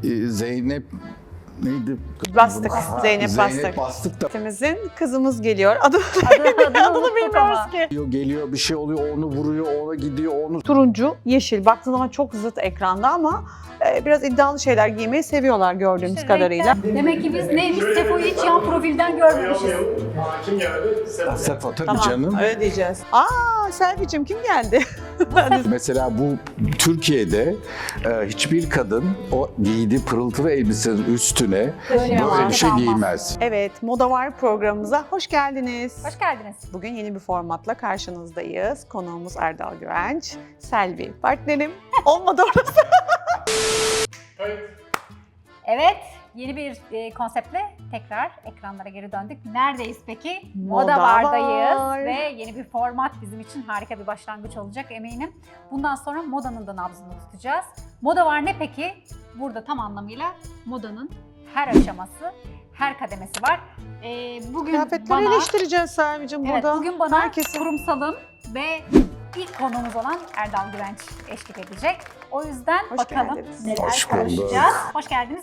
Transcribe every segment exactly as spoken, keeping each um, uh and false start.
e, Zeynep neydi? Bastık. Ha, Zeynep, Zeynep Bastık. Bastık da Bizim kızımız geliyor. Adı, Adını, adını adını unuttuk bilmiyoruz ama. ki. geliyor, geliyor bir şey oluyor, onu vuruyor, ona gidiyor, onu... Turuncu, yeşil. Baktığın zaman çok zıt ekranda ama e, biraz iddialı şeyler giymeyi seviyorlar gördüğümüz İşte kadarıyla. renkler. Demek ki biz neymiş? Sefo'yu hiç yan profilden görmemişiz. Kim geldi? Sefa. Sefa tabii Tamam, canım. öyle diyeceğiz. Aa, Selvi'cim kim geldi? Mesela bu Türkiye'de e, hiçbir kadın o giydiği pırıltılı elbisenin üstüne Böyle böyle bir şey olmaz. giymez. Evet, Moda Var programımıza hoş geldiniz. Hoş geldiniz. Bugün yeni bir formatla karşınızdayız. Konuğumuz Erdal Güvenç, Selvi. Partnerim olmadı orası. Evet, yeni bir e, konseptle tekrar ekranlara geri döndük. Neredeyiz peki? Moda Moda Bar'dayız Var. ve yeni bir format bizim için harika bir başlangıç olacak eminim. Bundan sonra modanın da nabzını tutacağız. Moda Var ne peki? Burada tam anlamıyla modanın her aşaması, her kademesi var. Ee, bugün Kıyafetleri bana, eleştireceğiz Selvi'cim evet, burada. bugün bana Herkesin- kurumsalın ve ilk konuğumuz olan Erdal Güvenç eşlik edecek. O yüzden Hoş bakalım geldiniz. neler Hoş bulduk. konuşacağız. Hoş geldiniz.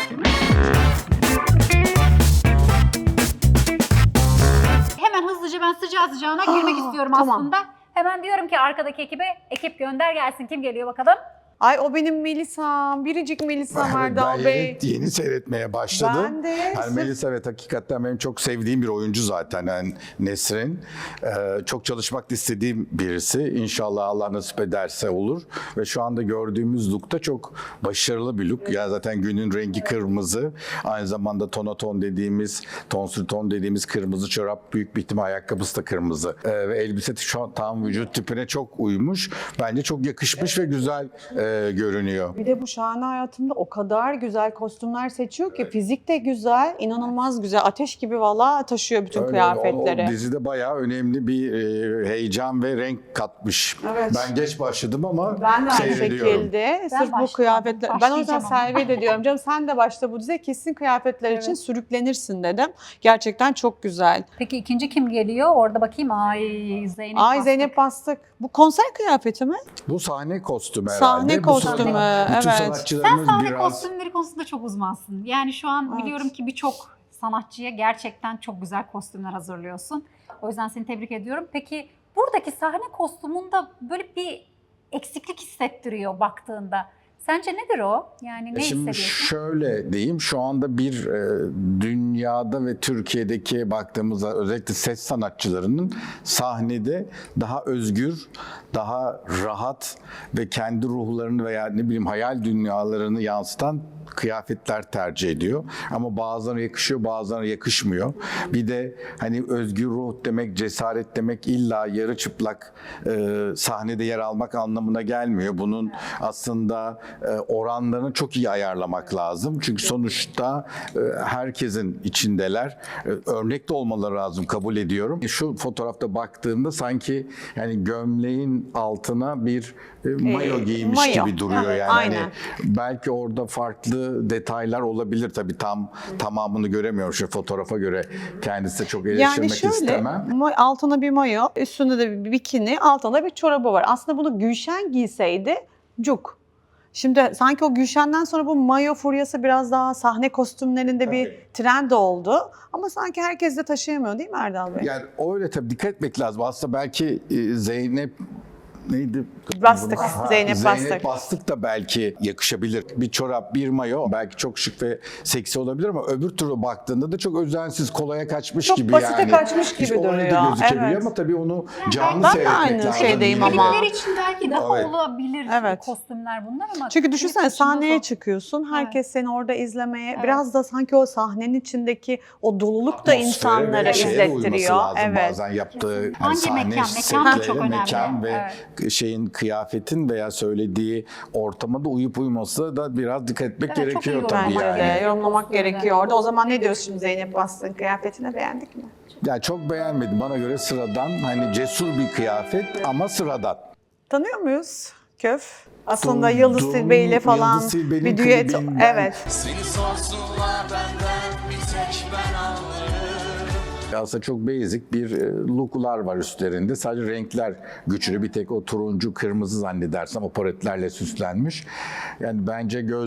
Hemen hızlıca ben sıcağı sıcağına girmek Aa, istiyorum tamam. aslında. Hemen diyorum ki arkadaki ekibe, ekip gönder gelsin. Kim geliyor bakalım? Ay o benim Melisa'm, biricik Melisa'm Ben Erdal Bey. yeni, yeni seyretmeye başladım. Ben de. Yani sırf- Melisa evet hakikaten benim çok sevdiğim bir oyuncu zaten yani Nesrin. Ee, çok çalışmak istediğim birisi. İnşallah Allah nasip ederse olur. Ve şu anda gördüğümüz look da çok başarılı bir look. Ya zaten günün rengi kırmızı. Aynı zamanda tonaton dediğimiz, tonsür ton dediğimiz kırmızı çorap, büyük bir ihtimal ayakkabısı da kırmızı. Ee, ve elbise şu an tam vücut tipine çok uymuş. Bence çok yakışmış ve güzel e, görünüyor. Bir de bu şahane hayatımda o kadar güzel kostümler seçiyor ki fizik de güzel, inanılmaz güzel. Ateş gibi valla taşıyor bütün Öyle, kıyafetleri. O, o dizide bayağı önemli bir e, heyecan ve renk katmış. Evet. Ben geç başladım ama Ben de aynı seyrediyorum. şekilde. Sırf bu başlamadım, kıyafetler. Ben o yüzden başlayacağım ama. Selvi'ye de diyorum canım sen de başla bu diziye kesin kıyafetler için Evet. sürüklenirsin dedim. Gerçekten çok güzel. Peki ikinci kim geliyor? Orada bakayım. Ay Zeynep Ay Bastık. Zeynep Bastık. Bu konser kıyafeti mi? Bu sahne kostümü herhalde. Sahne Bu kostümü, sahne- Bütün evet. Sen sanatçılarımız sahne biraz... kostümleri konusunda çok uzmansın. Yani şu an Evet. biliyorum ki birçok sanatçıya gerçekten çok güzel kostümler hazırlıyorsun. O yüzden seni tebrik ediyorum. Peki buradaki sahne kostümünde böyle bir eksiklik hissettiriyor baktığında. Sence nedir o? Yani ne E Şimdi hissediyorsun? şöyle diyeyim, şu anda bir e, dünyada ve Türkiye'deki baktığımızda özellikle ses sanatçılarının sahnede daha özgür, daha rahat ve kendi ruhlarını veya ne bileyim hayal dünyalarını yansıtan kıyafetler tercih ediyor. Ama bazılarına yakışıyor, bazılarına yakışmıyor. Bir de hani özgür ruh demek, cesaret demek illa yarı çıplak e, sahnede yer almak anlamına gelmiyor. Bunun aslında e, oranlarını çok iyi ayarlamak lazım. Çünkü sonuçta e, herkesin içindeler. E, örnek de olmaları lazım, kabul ediyorum. Şu fotoğrafta baktığımda sanki yani gömleğin altına bir e, mayo giymiş mayo. gibi duruyor Evet, yani. aynen. Hani belki orada farklı detaylar olabilir tabii, tam tamamını göremiyorum şu fotoğrafa göre, kendisi de çok eleştirmek Yani şöyle istemem. ma- altına bir mayo, üstünde de bir bikini, altında bir çorabı var. Aslında bunu Gülşen giyseydi cuk. Şimdi sanki o Gülşen'den sonra bu mayo furyası biraz daha sahne kostümlerinde bir trend oldu. Ama sanki herkes de taşıyamıyor değil mi Erdal Bey? Yani öyle tabii, dikkat etmek lazım. Aslında belki e, Zeynep neydi? Bastık, Ha, Zeynep Bastık. Zeynep Bastık da belki yakışabilir. Bir çorap, bir mayo belki çok şık ve seksi olabilir ama öbür türlü baktığında da çok özensiz, kolaya kaçmış Çok gibi basite yani. kaçmış gibi İşte öyle de duruyor, gözükebiliyor evet. ama tabii onu canlı ben de seyretmek aynı lazım. şeydeyim ama. Klipler için belki daha Evet. olabilir Evet. kostümler bunlar ama... Çünkü klip düşünsene dışında sahneye zor. çıkıyorsun. Herkes seni orada izlemeye, Evet. biraz da sanki o sahnenin içindeki o doluluk da Atmosfere insanları ve şeye de uyması izlettiriyor. lazım Evet. bazen yaptığı yani Hangi sahne mekan? Mekan da setleri, çok önemli. mekan ve Evet. şeyin, kıyafetin veya söylediği ortama da uyup uyması da biraz dikkat etmek Evet, çok iyi gerekiyor tabii Bence yorumlamak yani. de yorumlamak Kostümler. gerekiyor orada. O zaman ne diyorsun şimdi Zeynep Bastık'ın kıyafetine, beğendik mi? Ya çok beğenmedim. Bana göre sıradan, hani cesur bir kıyafet ama sıradan. Tanıyor muyuz Köf? Aslında Duydum, Yıldız Tilbe ile falan Yıldız Tilbe'nin bir düet. klibinden. Evet. Seni sorsunlar benden bir tek ben anlarım. Aslında çok basic bir e, look'lar var üstlerinde. Sadece renkler güçlü. Bir tek o turuncu, kırmızı zannedersem o paletlerle süslenmiş. Yani bence gözlük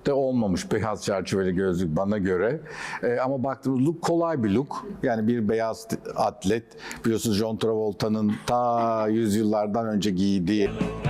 de olmamış beyaz çerçeveli gözlük bana göre. E, ama baktığımız look kolay bir look. Yani bir beyaz atlet. Biliyorsunuz John Travolta'nın ta yüzyıllardan önce giydiği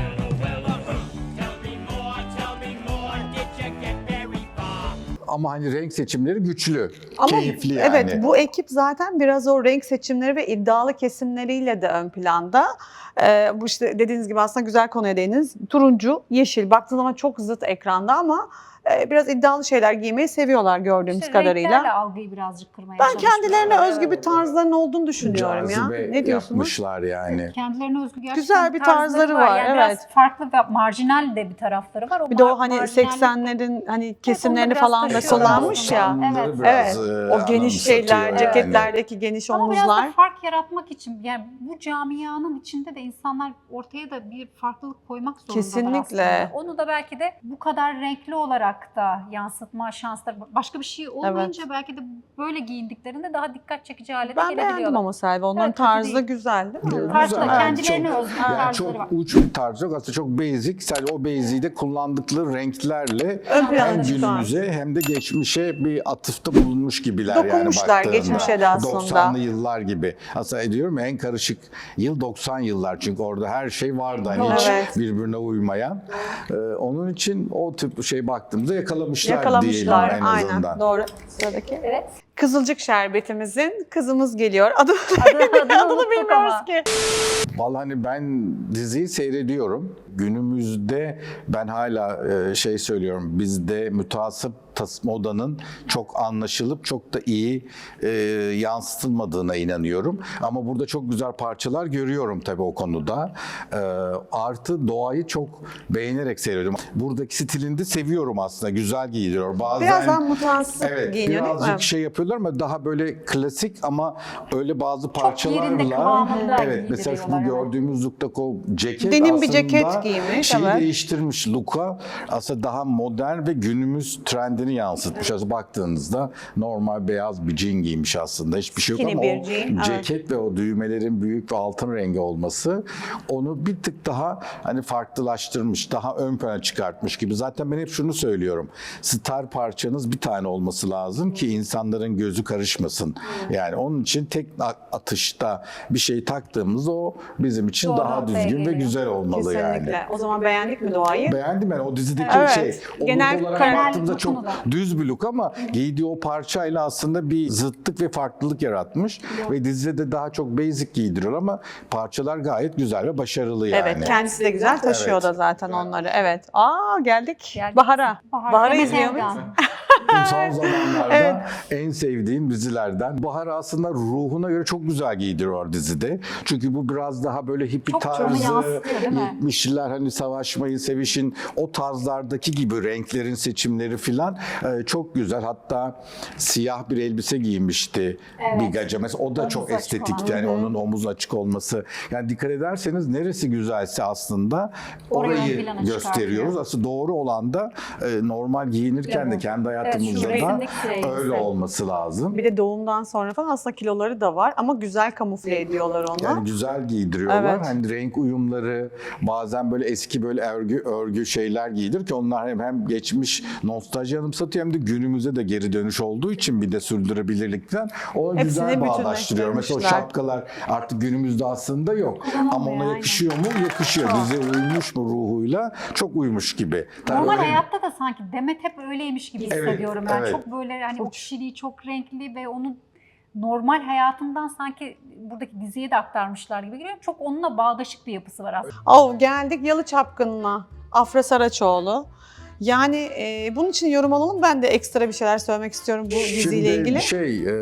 ama hani renk seçimleri güçlü, Ama keyifli yani. evet, bu ekip zaten biraz o renk seçimleri ve iddialı kesimleriyle de ön planda. Ee, bu işte dediğiniz gibi aslında güzel konuya değindiniz. Turuncu, yeşil baktığınız zaman çok zıt ekranda ama e, biraz iddialı şeyler giymeyi seviyorlar gördüğümüz İşte kadarıyla. renklerle algıyı birazcık kırmaya Ben çalışıyorlar. kendilerine özgü bir tarzlarının olduğunu düşünüyorum ya. Cazibe Ne diyorsunuz? yapmışlar yani. Kendilerine özgü gerçekten Güzel bir tarzları var, Yani evet. Biraz farklı ve marjinal de bir tarafları var. O Bir de o mar- hani marjinallik- seksenlerin hani kesimlerini biraz falan da taşıyorlar. kullanmış ya. doksanları Evet. biraz, Evet. e, O geniş şeyler, anımsatıyor ceketlerdeki geniş Ama biraz da omuzlar. fark yaratmak için yani bu camianın içinde de insanlar ortaya da bir farklılık koymak zorundalar Kesinlikle. aslında. Onu da belki de bu kadar renkli olarak da yansıtma şansları başka bir şey olmayınca belki de böyle giyindiklerinde daha dikkat çekici hale de Ben gelebiliyorlar. beğendim ama Selvi. Onların Evet, kötü tarzı değil. güzel değil mi? Güzel. Farklı, Yani kendilerine çok- özgü yani tarzları çok var. uç bir tarz yok. Aslında çok basic. Sadece o basic'i de kullandıkları renklerle Ön plana hem çıkan. günümüze hem de geçmişe bir atıfta bulunmuş gibiler Dokunmuşlar yani baktığında. geçmişe de aslında. doksanlı yıllar gibi. Aslında ediyorum ya, en karışık yıl doksan yıllar çünkü orada her şey vardı hani hiç Evet. birbirine uymayan. Ee, onun için o tip şey baktığımızda yakalamışlar, Yakalamışlar. diyelim en Aynen. azından. Doğru. Sıradaki. Evet. Kızılcık şerbetimizin kızımız geliyor. Adı, Adını, adını adını unuttuk bilmiyoruz ama. ki. Vallahi hani ben diziyi seyrediyorum. Günümüzde ben hala e, şey söylüyorum. Bizde müteasip tas- modanın çok anlaşılıp çok da iyi e, yansıtılmadığına inanıyorum. Ama burada çok güzel parçalar görüyorum tabii o konuda. E, artı doğayı çok beğenerek seyrediyorum. Buradaki stilini de seviyorum aslında. Güzel giydiriyor. Bazen Biraz daha mutansız evet, giyiniyor değil birazcık mi? şey yapıyorlar ama daha böyle klasik ama öyle bazı parçalarla yerinde, kıvamında evet mesela şu bu giydiriyorlar, evet. gördüğümüz look'taki o ceket Denim aslında bir ceket giymiş, şeyi evet. değiştirmiş look'a aslında daha modern ve günümüz trendini yansıtmış. Aslında baktığınızda normal beyaz bir jean giymiş aslında hiçbir şey yok Skinny ama bir o jean, evet. ceket ve o düğmelerin büyük ve altın rengi olması onu bir tık daha hani farklılaştırmış, daha ön plana çıkartmış gibi. Zaten ben hep şunu söylüyorum. Star parçanız bir tane olması lazım ki insanların gözü karışmasın. Yani onun için tek atışta bir şey taktığımızda o bizim için Doğru daha noktaya düzgün ve geliyor. güzel olmalı Kesinlikle. yani. O zaman beğendik mi doğayı? Beğendim ben o dizideki Evet. şey. O Genel look olarak karar- baktığımda çok Dokunuda. düz bir look ama giydiği o parçayla aslında bir zıtlık ve farklılık yaratmış. Ve dizide de daha çok basic giydiriyor ama parçalar gayet güzel ve başarılı yani. Evet, kendisi de güzel taşıyor Evet. da zaten onları. Evet. Aa geldik. Geldik. Bahar'a. Bahar, Bahar'ı Demet izliyor muyuz? Evgan. Son zamanlarda Evet. en sevdiğim dizilerden. Bahar aslında ruhuna göre çok güzel giydiriyor dizide. Çünkü bu biraz daha böyle hippie Çok canı tarzı, yansıtıyor, değil mi? yetmişler hani savaşmayın, sevişin o tarzlardaki gibi renklerin seçimleri filan e, çok güzel. Hatta siyah bir elbise giymişti Evet. bir gaca. Mesela o da Omuz çok açık estetikti. olan. Yani onun omuz açık olması. Yani dikkat ederseniz neresi güzelse aslında Orayı ön orayı plana gösteriyoruz. çıkartıyor. Aslında doğru olan da e, normal giyinirken de kendi hayatımızda da resimdeki elbise. öyle olması lazım. Bir de doğumdan sonra falan aslında kiloları da var ama güzel kamufle ediyorlar onu. Yani güzel giydiriyorlar. Evet. Hani renk uyumları, bazen böyle eski böyle örgü örgü şeyler giydir ki onlar hem, hem geçmiş nostalji anımsatıyor hem de günümüze de geri dönüş olduğu için bir de sürdürülebilirlikten o Hepsini güzel bağdaştırıyor. Mesela o bütünleştirmişler. şapkalar artık günümüzde aslında yok. Ama ona aynen. yakışıyor mu? Yakışıyor. Dizi uymuş mu ruhuyla? Çok uymuş gibi. Tabii Normal öyle- hayatta da sanki Demet hep öyleymiş gibi Evet, hissediyorum. Yani evet. çok böyle hani o kişiliği çok renkli ve onun normal hayatından sanki buradaki diziye de aktarmışlar gibi geliyor. Çok onunla bağdaşık bir yapısı var aslında. Oh, geldik Yalı Çapkını'na. Afra Saraçoğlu. Yani e, bunun için yorum alalım. Ben de ekstra bir şeyler söylemek istiyorum bu diziyle Şimdi ilgili. şey, e,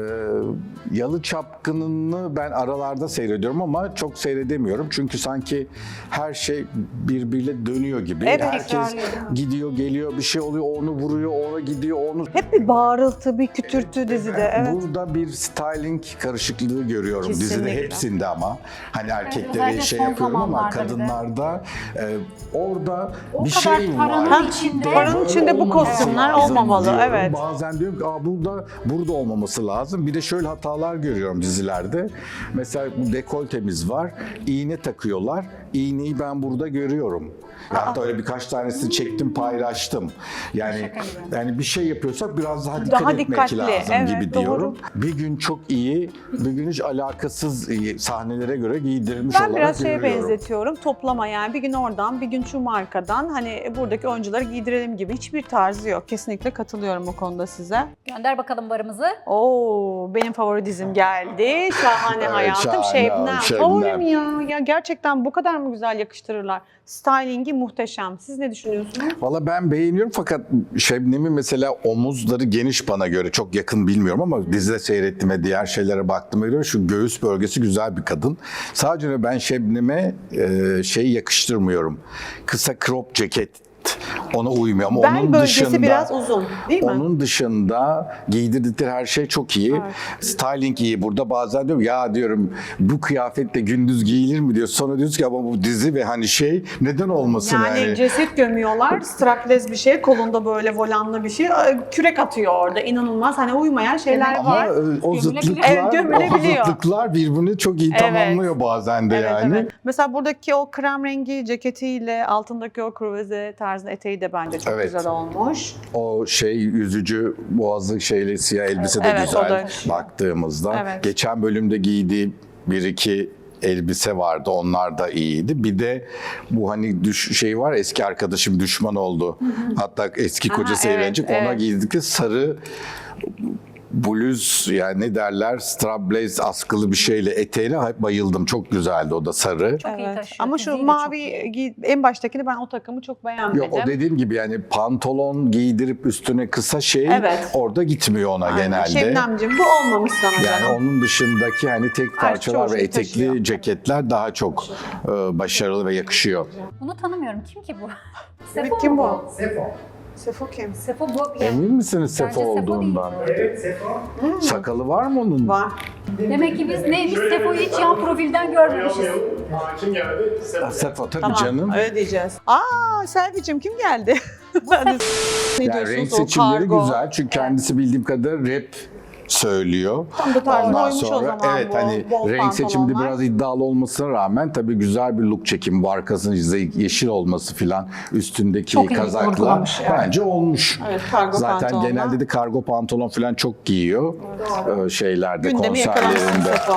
Yalı Çapkını'nı ben aralarda seyrediyorum ama çok seyredemiyorum. Çünkü sanki her şey birbiriyle dönüyor gibi. Evet. Herkes Tekrarlıyor, değil mi? gidiyor, geliyor, bir şey oluyor, onu vuruyor, ona gidiyor, onu... Hep bir bağırıltı, bir kütürtü dizide. Evet. Burada bir styling karışıklığı görüyorum Kesinlikle. dizide hepsinde ama. Hani erkekleri özellikle şey son yapıyorum ama zamanlarda bir de. kadınlarda e, orada O bir kadar şey paranın var. içinde içinde. Paranın içinde bu olmaması kostümler lazım olmamalı, diyorum. evet. Bazen diyorum ki Aa, burada, burada olmaması lazım. Bir de şöyle hatalar görüyorum dizilerde. Mesela bu dekoltemiz var. İğne takıyorlar. İğneyi ben burada görüyorum. Hatta öyle birkaç tanesini çektim, paylaştım. Yani yani bir şey yapıyorsak biraz daha dikkat Daha etmek dikkatli, lazım evet, gibi doğru. diyorum. Bir gün çok iyi, bir gün hiç alakasız iyi sahnelere göre giydirilmiş Ben olarak biraz şeye görüyorum. benzetiyorum. Toplama yani bir gün oradan, bir gün şu markadan hani buradaki oyuncuları giydirelim gibi hiçbir tarzı yok. Kesinlikle katılıyorum o konuda size. Gönder bakalım barımızı. Oo, benim favori dizim geldi. Şahane Evet, Hayatım. Şahane, Şebnem. Şebnem. Favorim ya. Ya gerçekten bu kadar mı güzel yakıştırırlar? Stylingi muhteşem. Siz ne düşünüyorsunuz? Valla ben beğeniyorum fakat Şebnem'in mesela omuzları geniş bana göre. Çok yakın bilmiyorum ama dizide seyrettiğime, diğer şeylere baktığıma göre şu göğüs bölgesi güzel bir kadın. Sadece ben Şebnem'e e, şey yakıştırmıyorum. Kısa crop ceket. Ona uymuyor ama Bel onun bölgesi dışında biraz uzun, değil mi? Onun dışında giydirdikleri her şey çok iyi. Styling iyi. Burada bazen diyorum ya diyorum bu kıyafetle gündüz giyilir mi diyor. Sonra diyoruz ki ama bu dizi ve hani şey neden olmasın Yani, yani. ceset gömüyorlar, strapless bir şey, kolunda böyle volanlı bir şey, kürek atıyor orada. İnanılmaz hani uymayan şeyler Ama var. e, o zıtlıklar, Evet, gömülebiliyor. o zıtlıklar birbirini çok iyi Evet. tamamlıyor bazen de Evet, yani. evet. Mesela buradaki o krem rengi ceketiyle altındaki o kruvaze tarzında eteği de bence çok Evet. güzel olmuş. O şey yüzücü boğazlı şeyli siyah elbise de Evet, o güzel da- baktığımızda. Evet. Geçen bölümde giydiği bir iki elbise vardı. Onlar da iyiydi. Bir de bu hani düş şey var eski arkadaşım düşman oldu. Hatta eski Aha, kocası evet, evlenecek. Ona evet. giydikleri sarı bluz yani ne derler strapless askılı bir şeyle eteğine bayıldım. Çok güzeldi o da sarı. Çok iyi Evet. taşıyor. Ama Fiziği şu de mavi çok iyi. giy- en baştakini ben o takımı çok beğenmedim. Yok o dediğim gibi yani pantolon giydirip üstüne kısa şey Evet. orada gitmiyor ona Aynen. genelde. Şebnemciğim bu olmamış sana Yani canım. onun dışındaki hani tek parçalar çoğu ve şey etekli taşıyor. ceketler daha çok e, başarılı ve yakışıyor. Bunu tanımıyorum. Kim ki bu? Evet, Sefo kim mu bu? Sefo. Sefo kim? Sefo bu. Emin misiniz Bence Sefo Sefo değil. olduğundan? Evet Sefo. Sakalı var mı onun? Var. Demek ki biz neymiş Sefo'yu hiç yan profilden görmemişiz. Tanıyalım. Hakim geldi. Sefo. Sefo tabii Tamam, canım. öyle diyeceğiz. Aa, Selvi'cim kim geldi? Hadi. ne Yani diyorsunuz renk o seçimleri kargo? güzel çünkü kendisi bildiğim kadarıyla rap söylüyor. Tam da tarzına Ondan uymuş o sonra zaman evet bu hani bol renk seçiminde pantolonlar. biraz iddialı olmasına rağmen tabii güzel bir look çekimi bu arkasının ze- yeşil olması filan üstündeki Çok iyi kazaklar vurgulamış yani. bence olmuş. Evet, kargo Zaten pantolonlar. genelde de kargo pantolon filan çok giyiyor ee, şeylerde Gündemi yakalamışsın konserlerinde. Sefo.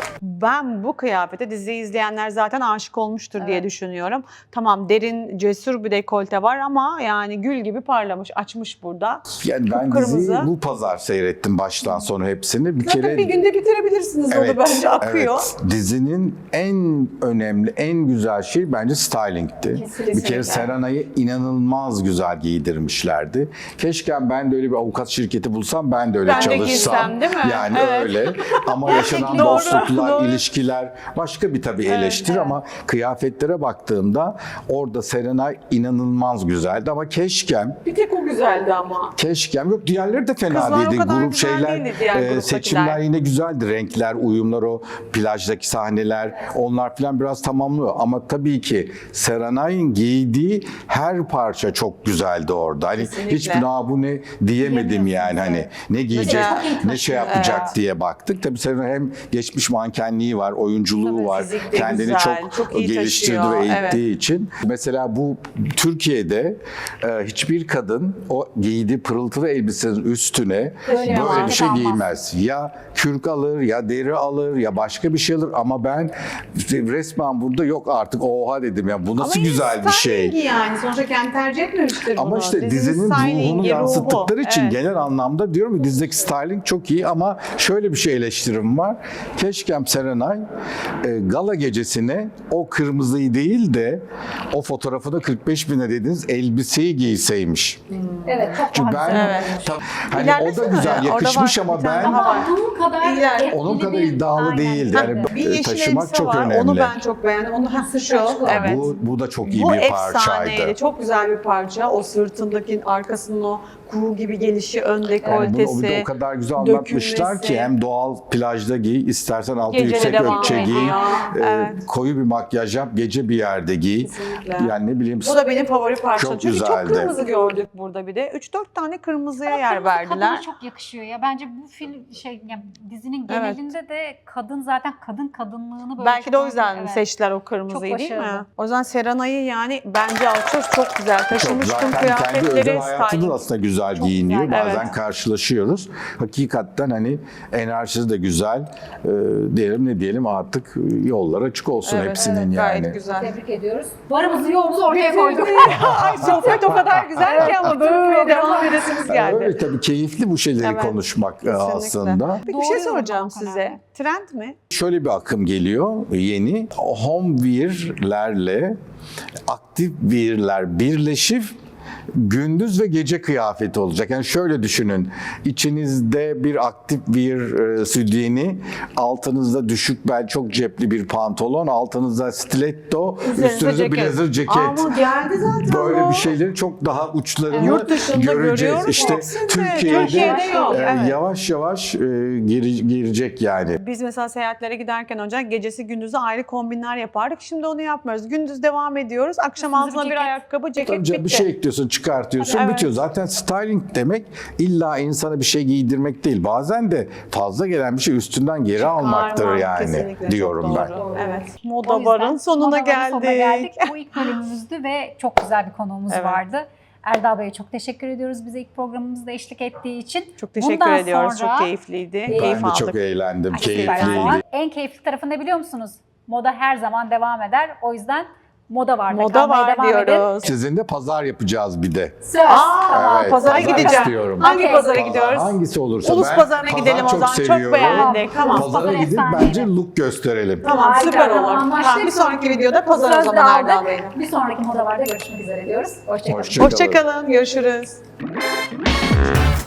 Ben bu kıyafete diziyi izleyenler zaten aşık olmuştur diye düşünüyorum. Tamam derin, cesur bir dekolte var ama yani gül gibi parlamış, açmış burada. Yani ben Kıpkırmızı. diziyi bu pazar seyrettim baştan sona hepsini. Bir Zaten kere bir günde bitirebilirsiniz onu bence akıyor. evet. Dizinin en önemli, en güzel şey bence styling'ti. Kesinlikle. Bir kere Serenay'ı inanılmaz güzel giydirmişlerdi. Keşke ben de öyle bir avukat şirketi bulsam ben de öyle Ben de çalışsam. girsem, değil mi? Yani Evet. öyle. Ama yaşanan Doğru, dostluklar, doğru. ilişkiler başka bir tabii eleştiri ama kıyafetlere baktığımda orada Serenay inanılmaz güzeldi ama keşkem Bir tek o güzeldi ama. Keşkem yok diğerleri de fena Kızlar o değildi. kadar Grup güzel şeyler değildi diğer e, gruptakiler. seçimler yine güzeldi. Renkler, uyumlar o plajdaki sahneler onlar falan biraz tamamlıyor. Ama tabii ki Serenay'ın giydiği her parça çok güzeldi orada. Hani Kesinlikle. hiçbir "Aa, bu ne diyemedim yani hani ne giyecek, Mesela- ne şey yapacak Evet. diye baktık. Tabii Serenay hem geçmiş mankenliği var, oyunculuğu Tabii, var. fizik de Kendini güzel, çok, çok iyi geliştirdi taşıyor, ve evet. eğittiği için. Mesela bu Türkiye'de e, hiçbir kadın o giydiği pırıltılı elbisenin üstüne Böyle böyle yapmaz. bir şey Almaz. giymez. Ya kürk alır ya deri alır ya başka bir şey alır ama ben işte resmen burada yok artık oha dedim ya bu nasıl Ama güzel bir şey. stylingi yani. Sonuçta kendi tercih etmemiştir bunu. Ama işte dizinin stylingi, ruhunu ruhu. yansıttıkları için Evet. genel anlamda diyorum ki dizideki styling çok iyi ama şöyle bir şey eleştirim var. Keşke Serenay e, gala gecesine o kırmızıyı değil de o fotoğrafında kırk beş bine dediğiniz elbiseyi giyseymiş. Evet çok Çünkü daha ben güzel. Evet. tam- hani o İlerlesene da güzel ya, orada yakışmış var, ama bir tane ben daha var. Ama onun kadar İler- etkili onun kadar değil. iddialı Aynen. değildi. Yani Bir yeşil taşımak elbise çok var. önemli. Onu ben çok beğendim. Onu ha, şu. Evet. Bu, bu da çok iyi Bu bir efsaneydi. parçaydı. Çok güzel bir parça. O sırtındaki arkasının o kuğu gibi gelişi, ön Yani bunu o, bir dekoltesi. de o kadar güzel anlatmışlar dökülmesi. ki hem doğal plajda giy, istersen altı Gece de yüksek devam ölçe giy, ediyor. e, Evet. koyu bir makyaj yap, gece bir yerde giy. Kesinlikle. Yani ne bileyim. Bu da benim favori parçam. Çok Çünkü çok güzeldi. kırmızı gördük burada bir de. üç dört tane kırmızıya Ama yer kırmızı kadına verdiler. çok yakışıyor ya. Bence bu film şey yani dizinin Evet. genelinde de kadın zaten kadın kadınlığını böyle Belki çok de o yüzden evet. seçtiler o kırmızıyı Çok değil mi? başarılı. O yüzden Serenay'ı yani bence alçoz çok güzel. Çok Taşımış tüm zaten kendi özel kıyafetleri, hayatında da styling. aslında güzel Çok giyiniyor. güzel, Bazen evet. karşılaşıyoruz. Hakikaten hani enerjisi de güzel. Ee, diyelim ne diyelim artık yollar açık olsun Evet, hepsinin evet, yani. gayet güzel. Tebrik ediyoruz. Varımızı yoğumuzu ortaya koyduk. Ay sohbet o kadar güzel ki ama böyle devam edesiniz Yani geldi. öyle tabii keyifli bu şeyleri Evet, konuşmak e, Kesinlikle. aslında. Peki bir şey Doğru yorum soracağım Hakan size. abi. Trend mi? Şöyle bir akım geliyor yeni. Homewear'lerle aktif wear'ler birleşip gündüz ve gece kıyafeti olacak. Yani şöyle düşünün. İçinizde bir aktif wear e, sütyeni, altınızda düşük bel çok cepli bir pantolon, altınızda stiletto, Üzerinize üstünüzde ceket. blazer ceket. Ama geldi zaten Böyle o. bir şeyleri çok daha uçlarını Yurt dışında göreceğiz. görüyoruz İşte hepsini. Türkiye'de, Türkiye'de yok, e, evet. yavaş yavaş e, giri- girecek yani. Biz mesela seyahatlere giderken önce gecesi gündüzü ayrı kombinler yapardık. Şimdi onu yapmıyoruz. Gündüz devam ediyoruz. Akşam Üstünüze altına bir bir ceket. ayakkabı, ceket Tabii canım, bitti. bir şey ekliyorsun, çıkartıyorsun, Evet. bitiyor. Zaten styling demek illa insana bir şey giydirmek değil. Bazen de fazla gelen bir şey üstünden geri almaktır Karma, yani kesinlikle, diyorum çok ben. doğru. Evet. O Moda yüzden barın sonuna Moda Bar'ın geldik. sonuna geldik. Bu ilk bölümümüzdü ve çok güzel bir konuğumuz Evet. vardı. Erdal Bey'e çok teşekkür ediyoruz bize ilk programımızda eşlik ettiği için. Çok teşekkür Bundan ediyoruz. sonra- Çok keyifliydi. Ben Keyif Ben de aldık. çok eğlendim, Süper. keyifliydi. En keyifli tarafı ne biliyor musunuz? Moda her zaman devam eder. O yüzden moda var. da Moda kalmaya var devam edin. diyoruz. Sizinle pazar yapacağız bir de. Söz. Aa, Evet, pazara pazar gideceğim. istiyorum. Hangi Okey. pazara Pazar gidiyoruz? hangisi olursa. Ulus Ben pazarına pazar gidelim o zaman. Çok seviyorum. beğendik. Tamam. Pazara Pazar gidip efsane. bence look gösterelim. Tamam, Harika, süper olur. anlaştık. Tamam, bir sonraki videoda pazar o Söz zaman de aldık. Erdal Bey'le. Bir sonraki moda varda görüşmek üzere diyoruz. Hoşçakalın. Hoşça kalın. Hoşçakalın. Görüşürüz.